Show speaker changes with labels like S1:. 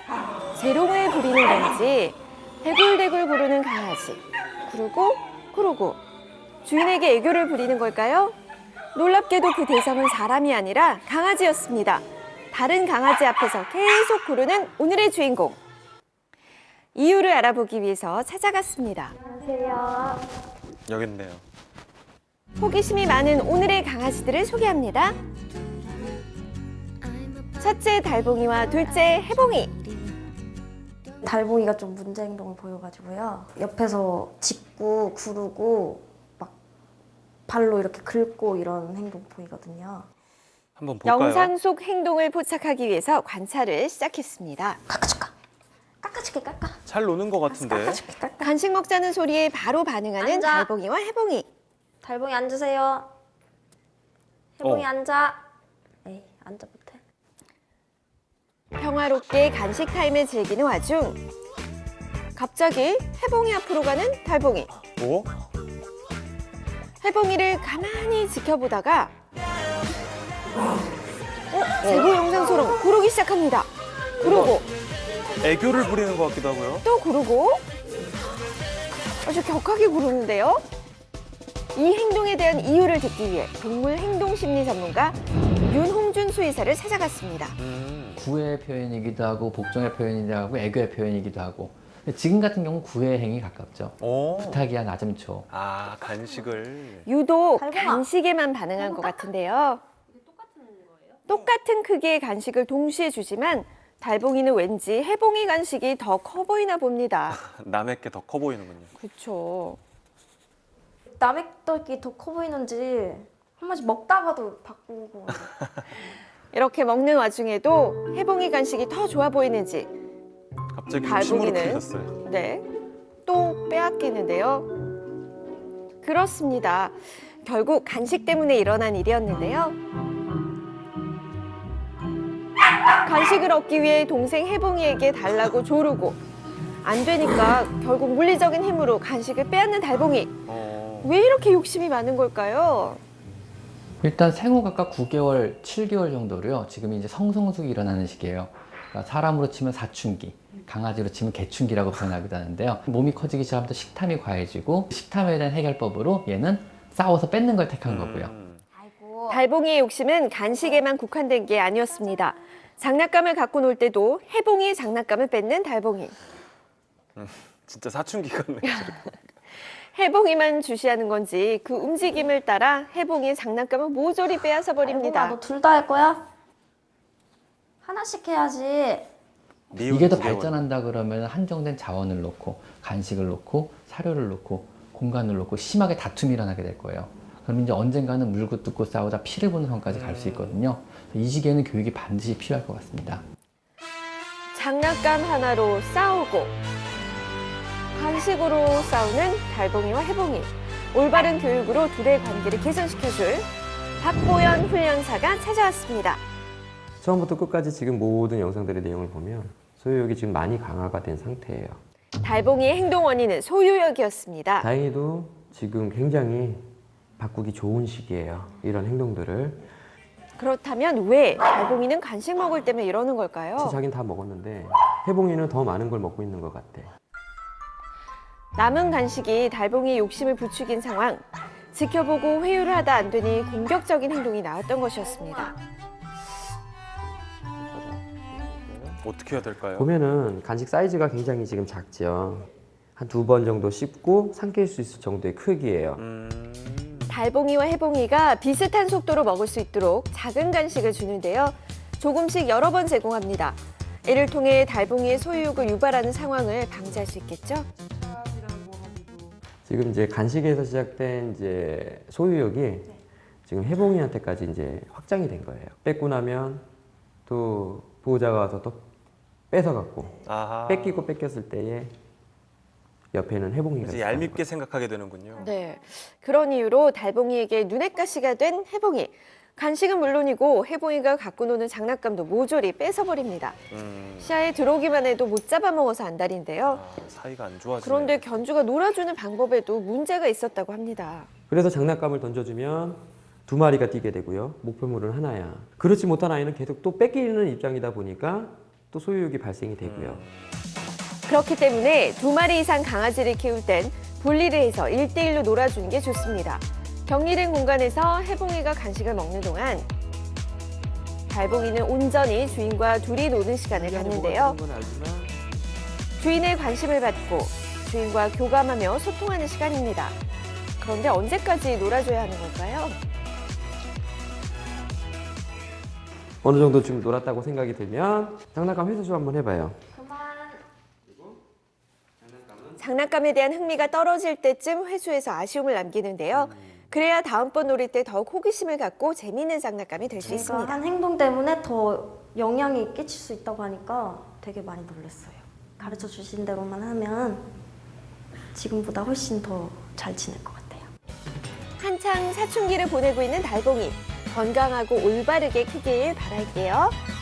S1: 재롱을 부리는 건지 대굴대굴 구르는 강아지. 구르고 주인에게 애교를 부리는 걸까요? 놀랍게도 그 대상은 사람이 아니라 강아지였습니다. 다른 강아지 앞에서 계속 구르는 오늘의 주인공. 이유를 알아보기 위해서 찾아갔습니다.
S2: 안녕하세요.
S3: 여기 있네요.
S1: 호기심이 많은 오늘의 강아지들을 소개합니다. 첫째 달봉이와 둘째 해봉이.
S2: 달봉이가 좀 문제 행동을 보여가지고요. 옆에서 짚고 구르고 막 발로 이렇게 긁고 이런 행동 보이거든요.
S3: 한번 볼까요?
S1: 영상 속 행동을 포착하기 위해서 관찰을 시작했습니다.
S2: 깎아줄까? 깎아줄게 깎아.
S3: 잘 노는 것 같은데.
S2: 깎아줄게 깎아.
S1: 간식 먹자는 소리에 바로 반응하는
S2: 앉아.
S1: 달봉이와 해봉이.
S2: 달봉이 앉으세요. 해봉이 앉아. 에이 앉아 못해.
S1: 평화롭게 간식 타임을 즐기는 와중 갑자기 해봉이 앞으로 가는 달봉이.
S3: 오?
S1: 해봉이를 가만히 지켜보다가 제보 영상처럼 구르기 시작합니다. 구르고
S3: 애교를 부리는 것 같기도 하고요.
S1: 또 구르고 아주 격하게 구르는데요. 이 행동에 대한 이유를 듣기 위해 동물 행동 심리 전문가 윤홍준 수의사를 찾아갔습니다.
S4: 구애의 표현이기도 하고 복종의 표현이기도 하고 애교의 표현이기도 하고 근데 지금 같은 경우는 구애의 행위 가깝죠.
S3: 오.
S4: 부탁이야 나 좀 줘.
S3: 아, 간식을.
S1: 유독
S2: 달봉아.
S1: 간식에만 반응한 것 같은데요. 똑같은 크기의 간식을 동시에 주지만 달봉이는 왠지 해봉이 간식이 더 커 보이나 봅니다.
S3: 남의 게 더 커 보이는군요.
S1: 그렇죠.
S2: 남의 떡이 더 커 보이는지 한 번씩 먹다가도 바꾸고.
S1: 이렇게 먹는 와중에도 해봉이 간식이 더 좋아 보이는지
S3: 갑자기 욕심으로
S1: 달봉이는
S3: 풀리셨어요.
S1: 네, 또 빼앗기는데요. 그렇습니다. 결국 간식 때문에 일어난 일이었는데요. 간식을 얻기 위해 동생 해봉이에게 달라고 조르고 안 되니까 결국 물리적인 힘으로 간식을 빼앗는 달봉이. 왜 이렇게 욕심이 많은 걸까요?
S4: 일단 생후 각각 9개월, 7개월 정도로요. 지금 이제 성성숙이 일어나는 시기예요. 그러니까 사람으로 치면 사춘기, 강아지로 치면 개춘기라고 표현하기도 하는데요. 몸이 커지기 시작하면 식탐이 과해지고 식탐에 대한 해결법으로 얘는 싸워서 뺏는 걸 택한 거고요.
S2: 아이고.
S1: 달봉이의 욕심은 간식에만 국한된 게 아니었습니다. 장난감을 갖고 놀 때도 해봉이의 장난감을 뺏는 달봉이.
S3: 진짜 사춘기 같네요.
S1: 해봉이만 주시하는 건지 그 움직임을 따라 해봉이의 장난감을 모조리 빼앗아 버립니다.
S2: 너 둘 다 할 거야? 하나씩 해야지.
S4: 이게 더 발전한다 그러면 한정된 자원을 놓고 간식을 놓고 사료를 놓고 공간을 놓고 심하게 다툼이 일어나게 될 거예요. 그럼 이제 언젠가는 물고 뜯고 싸우다 피를 보는 선까지 갈 수 있거든요. 이 시기에는 교육이 반드시 필요할 것 같습니다.
S1: 장난감 하나로 싸우고 간식으로 싸우는 달봉이와 해봉이. 올바른 교육으로 둘의 관계를 개선시켜줄 박보연 훈련사가 찾아왔습니다.
S5: 처음부터 끝까지 지금 모든 영상들의 내용을 보면 소유욕이 지금 많이 강화가 된 상태예요.
S1: 달봉이의 행동 원인은 소유욕이었습니다.
S5: 다행히도 지금 굉장히 바꾸기 좋은 시기예요. 이런 행동들을.
S1: 그렇다면 왜 달봉이는 간식 먹을 때면 이러는 걸까요?
S5: 자긴 다 먹었는데 해봉이는 더 많은 걸 먹고 있는 것 같아.
S1: 남은 간식이 달봉이의 욕심을 부추긴 상황. 지켜보고 회유를 하다 안 되니 공격적인 행동이 나왔던 것이었습니다.
S3: 어떻게 해야 될까요?
S5: 보면은 간식 사이즈가 굉장히 지금 작죠. 한 2번 정도 씹고 삼킬 수 있을 정도의 크기예요.
S1: 달봉이와 해봉이가 비슷한 속도로 먹을 수 있도록 작은 간식을 주는데요. 조금씩 여러 번 제공합니다. 이를 통해 달봉이의 소유욕을 유발하는 상황을 방지할 수 있겠죠?
S5: 지금 이제 간식에서 시작된 이제 소유욕이 지금 해봉이한테까지 이제 확장이 된 거예요. 뺏고 나면 또 보호자가 와서 또 뺏어갖고
S3: 아하.
S5: 뺏기고 뺏겼을 때에 옆에는 해봉이가
S3: 이제
S5: 있어요.
S3: 얄밉게 생각하게 되는군요.
S1: 네. 그런 이유로 달봉이에게 눈엣 가시가 된 해봉이. 간식은 물론이고 해봉이가 갖고 노는 장난감도 모조리 뺏어버립니다. 시야에 들어오기만 해도 못 잡아먹어서 안달인데요.
S3: 아, 사이가 안 좋아지네.
S1: 그런데 견주가 놀아주는 방법에도 문제가 있었다고 합니다.
S5: 그래서 장난감을 던져주면 2마리가 뛰게 되고요. 목표물은 하나야. 그렇지 못한 아이는 계속 또 뺏기는 입장이다 보니까 또 소유욕이 발생이 되고요.
S1: 그렇기 때문에 2마리 이상 강아지를 키울 땐 분리를 해서 1대1로 놀아주는 게 좋습니다. 격리된 공간에서 해봉이가 간식을 먹는 동안 달봉이는 온전히 주인과 둘이 노는 시간을 갖는데요. 주인의 관심을 받고 주인과 교감하며 소통하는 시간입니다. 그런데 언제까지 놀아줘야 하는 걸까요?
S5: 어느 정도 좀 놀았다고 생각이 들면 장난감 회수 좀 한번 해봐요.
S1: 장난감에 대한 흥미가 떨어질 때쯤 회수해서 아쉬움을 남기는데요. 그래야 다음번 놀이 때 더욱 호기심을 갖고 재미있는 장난감이 될 수
S2: 제가
S1: 있습니다.
S2: 한 행동 때문에 더 영향이 끼칠 수 있다고 하니까 되게 많이 놀랐어요. 가르쳐 주신 대로만 하면 지금보다 훨씬 더 잘 지낼 것 같아요.
S1: 한창 사춘기를 보내고 있는 달봉이 건강하고 올바르게 크길 바랄게요.